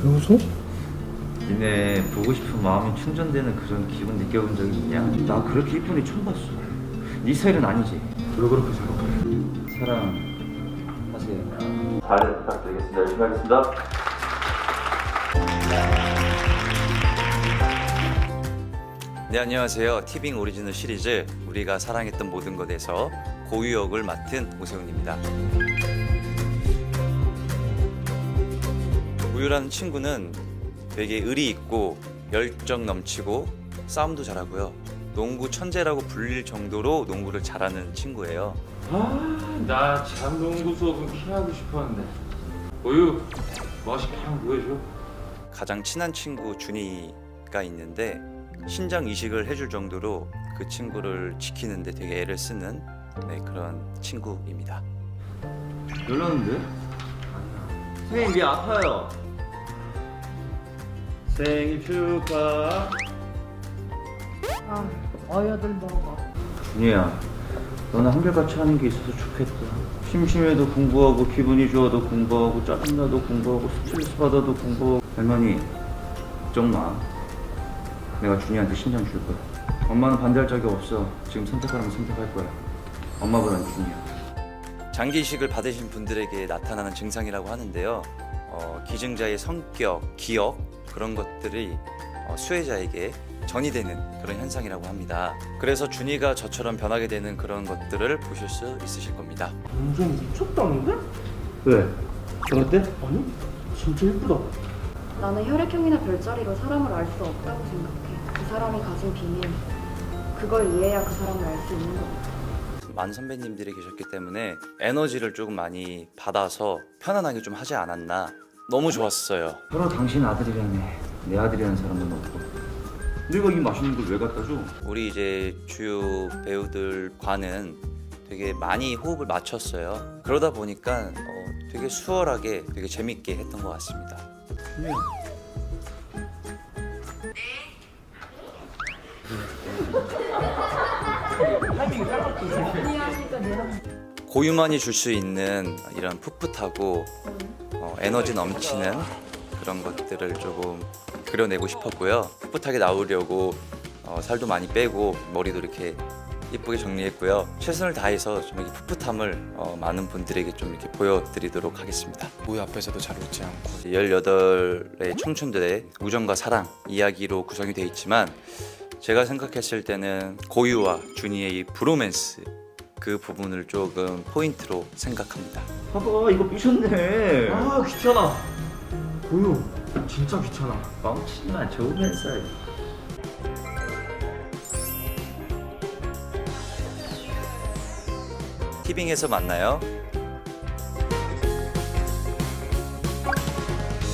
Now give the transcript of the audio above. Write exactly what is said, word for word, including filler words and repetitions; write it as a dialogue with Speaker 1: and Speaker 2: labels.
Speaker 1: 여기서?
Speaker 2: 니네 보고 싶은 마음이 충전되는 그런 기분 느껴본 적이 있냐? 나 그렇게 이쁜 애 처음 봤어. 네 스타일은 아니지?
Speaker 1: 왜 그렇게 생각해?
Speaker 2: 사랑하세요. 잘 부탁드리겠습니다. 열심히 하겠습니다. 네, 안녕하세요. 티빙 오리지널 시리즈 우리가 사랑했던 모든 것에서 고유 역을 맡은 오세훈입니다. 우유라는 친구는 되게 의리 있고 열정 넘치고 싸움도 잘하고요. 농구 천재라고 불릴 정도로 농구를 잘하는 친구예요.
Speaker 3: 아, 나 장농구 수업은 피하고 싶었는데. 우유, 멋있게 한번 보여줘.
Speaker 2: 가장 친한 친구 준이가 있는데 신장 이식을 해줄 정도로 그 친구를 지키는데 되게 애를 쓰는 네, 그런 친구입니다. 놀랐는데? 선생님 이 아파요. 생일 축하.
Speaker 4: 아, 어여들 먹어.
Speaker 2: 준이야, 너는 한결같이 하는 게 있어서 좋겠다. 심심해도 공부하고 기분이 좋아도 공부하고 짜증나도 공부하고 스트레스 받아도 공부하고. 할머니 걱정 마. 내가 준이한테 신장 줄 거야. 엄마는 반대할 적이 없어. 지금 선택하라면 선택할 거야. 엄마보다는 준이야. 장기 이식을 받으신 분들에게 나타나는 증상이라고 하는데요. 어, 기증자의 성격, 기억 그런 것들이 어, 수혜자에게 전이되는 그런 현상이라고 합니다. 그래서 준이가 저처럼 변하게 되는 그런 것들을 보실 수 있으실 겁니다.
Speaker 1: 완전 미쳤다는데?
Speaker 2: 왜? 어때?
Speaker 1: 아니, 진짜 예쁘다.
Speaker 5: 나는 혈액형이나 별자리로 사람을 알 수 없다고 생각해. 그 사람이 가진 비밀, 그걸 이해해야 그 사람을 알 수 있는 거거든.
Speaker 2: 많은 선배님들이 계셨기 때문에 에너지를 조금 많이 받아서 편안하게 좀 하지 않았나. 너무 좋았어요. 서로 당신 아들이라네. 내 아들이라는 사람은 없고. 내가 이 맛있는 걸 왜 갖다 줘? 우리 이제 주요 배우들과는 되게 많이 호흡을 맞췄어요. 그러다 보니까 어, 되게 수월하게 되게 재밌게 했던 것 같습니다. 준이야. 고유만이 줄 수 있는 이런 풋풋하고 어, 에너지 넘치는 그런 것들을 조금 그려내고 싶었고요. 풋풋하게 나오려고 어, 살도 많이 빼고 머리도 이렇게 예쁘게 정리했고요. 최선을 다해서 좀 이렇게 풋풋함을 어, 많은 분들에게 좀 이렇게 보여드리도록 하겠습니다.
Speaker 1: 우유 앞에서도 잘 웃지 않고.
Speaker 2: 열여덟의 청춘들의 우정과 사랑 이야기로 구성이 되어 있지만 제가 생각했을 때는 고유와 준이의 이 브로맨스 그 부분을 조금 포인트로 생각합니다. 봐봐, 이거 삐졌네.
Speaker 1: 아, 귀찮아. 우유, 진짜 귀찮아.
Speaker 2: 뻥치지마, 좋으면서. 티빙에서 만나요.